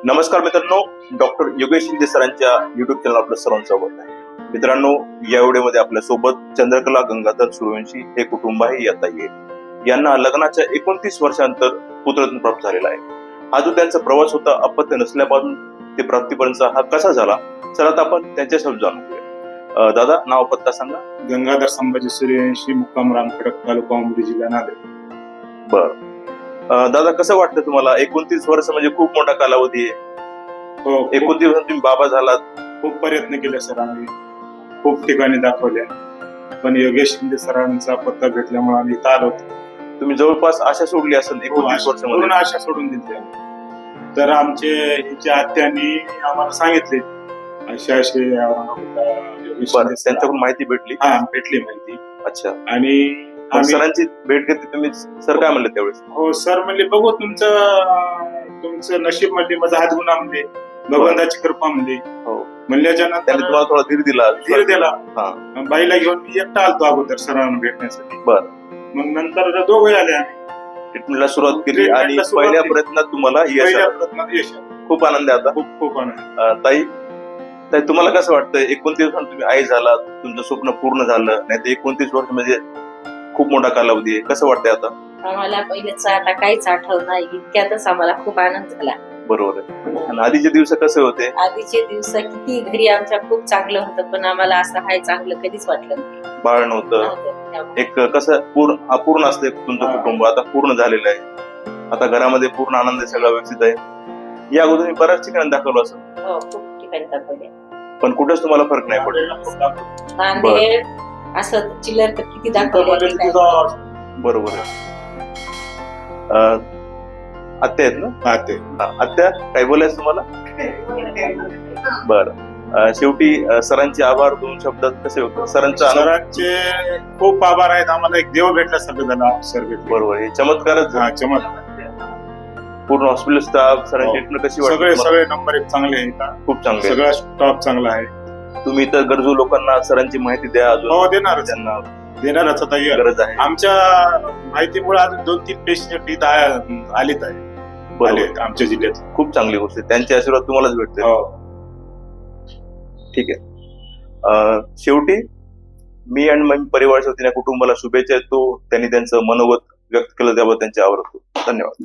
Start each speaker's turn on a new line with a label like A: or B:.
A: नमस्कार मित्रांनो, डॉक्टर योगेश शिंदे सरांच्या युट्यूब चॅनल आपलं सर्वांचं स्वागत आहे. मित्रांनो, या व्हिडिओमध्ये आपल्या सोबत चंद्रकला गंगाधर सूर्यवंशी हे कुटुंबही येत आहे. यांना लग्नाच्या 29 वर्षांतर पुत्ररत्न प्राप्त झालेला आहे. हा जो त्यांचा प्रवास होता अपत्य नसल्यापासून ते प्राप्तीपर्यंतचा हा कसा झाला, चला आता आपण त्यांच्यासोबत जाणून घेऊया. दादा, नाव पत्ता सांगा.
B: गंगाधर संभाजी सूर्यवंशी, मुक्काम रामखडक, तालुका उमरी, जिल्हा नांदेड.
A: बर दादा, कसं वाटतं तुम्हाला? 29 वर्ष म्हणजे खूप मोठा कालावधी आहे.
B: हो,
A: 29 वर्ष तुम्ही बाबा झालात.
B: खूप प्रयत्न केले सर, आम्ही खूप ठिकाणी दाखवल्या, पण योगेश शिंदे सरांचा पत्ता भेटल्यामुळे आम्ही इथं आलो.
A: तुम्ही जवळपास आशा सोडली असेल 29 वर्षामध्ये.
B: पूर्ण आशा सोडून दिली. तर हिच्या आत्यांनी आम्हाला सांगितले अशा अशी योगेश शिंदे सर.
A: त्यांच्याकडून माहिती भेटली.
B: हा, भेटली माहिती.
A: अच्छा.
B: आणि
A: सरांची भेट घेतली तुम्ही. सर काय म्हणले त्यावेळेस?
B: हो, सर म्हणले बघू तुमचं नशीब, म्हणले माझा हातगुणा, म्हणले भगवंताची कृपा, म्हणले.
A: हो.
B: म्हणल्याच्या
A: त्यांनी
B: नंतर
A: तुम्हाला थोडा धीर दिला.
B: बाईला घेऊन मी एकटा आलतो अगोदर सरांना भेटण्यासाठी.
A: बर.
B: मग नंतर दोघे आले. आम्ही
A: ट्रीटमेंटला सुरुवात केली आणि पहिल्या प्रयत्नात तुम्हाला यश आलं. खूप आनंद आहे आता.
B: खूप आनंद.
A: ताई, तुम्हाला कसं वाटतं? 29 वर्ष तुम्ही आई झाला, तुमचं स्वप्न पूर्ण झालं. नाही तर 29 वर्ष म्हणजे खूप मोठा कालावधी आहे. कसं वाटतंय आता?
C: आम्हाला पहिलेच आता काहीच आठवत नाही, इतक्यातच आम्हाला खूप आनंद झाला.
A: बरोबर आहे. आणि आधीचे दिवस कसे होते?
C: आधीचे दिवस किती घरी आमच्या खूप चांगलं होतं, पण आम्हाला असं हाय चांगलं कधीच वाटलं नाही.
A: बाळ नव्हतं. एक कसं अपूर्ण असते तुमचं कुटुंब, आता पूर्ण झालेलं आहे. आता घरामध्ये पूर्ण आनंद आहे, सगळं व्यवस्थित आहे. या अगोदर मी बऱ्याच ठिकाणी दाखवलं असं.
C: हो, खूप ठिकाणी दाखवले,
A: पण कुठेच तुम्हाला फरक नाही पडला.
C: नांदेड असं चिल्लर तर किती दाखवले.
A: बरोबर आहे. आत्या आहेत ना? आत्या, काय बोलायचं तुम्हाला? बरं. शेवटी सरांचे आभार 2 शब्दात कसे होते?
B: सरांचे खूप आभार आहेत. आम्हाला एक देव भेटला सगळं सर भेटले.
A: बरोबर. हे चमत्कारच.
B: चमत्कार.
A: पूर्ण हॉस्पिटल स्टाफ, सरांची ट्रीटमेंट कशी वाटली?
B: सगळे नंबर 1 चांगले आहेत.
A: खूप चांगले.
B: सगळा स्टाफ चांगला आहे.
A: तुम्ही तर गरजू लोकांना सरांची माहिती द्या.
B: हो, त्यांना देणारच आता
A: गरज आहे.
B: आमच्या माहितीमुळे अजून 2-3 पेशंट इथं आलेत आहे आमच्या जिल्ह्यात.
A: खूप चांगली गोष्ट आहे. त्यांचे आशीर्वाद तुम्हालाच भेटते. ठीक आहे. शेवटी मी आणि माझ्या परिवाराच्या वतीने कुटुंबाला शुभेच्छा देतो. त्यांनी त्यांचं मनोगत व्यक्त केलं त्याबद्दल त्यांचे आभार. धन्यवाद.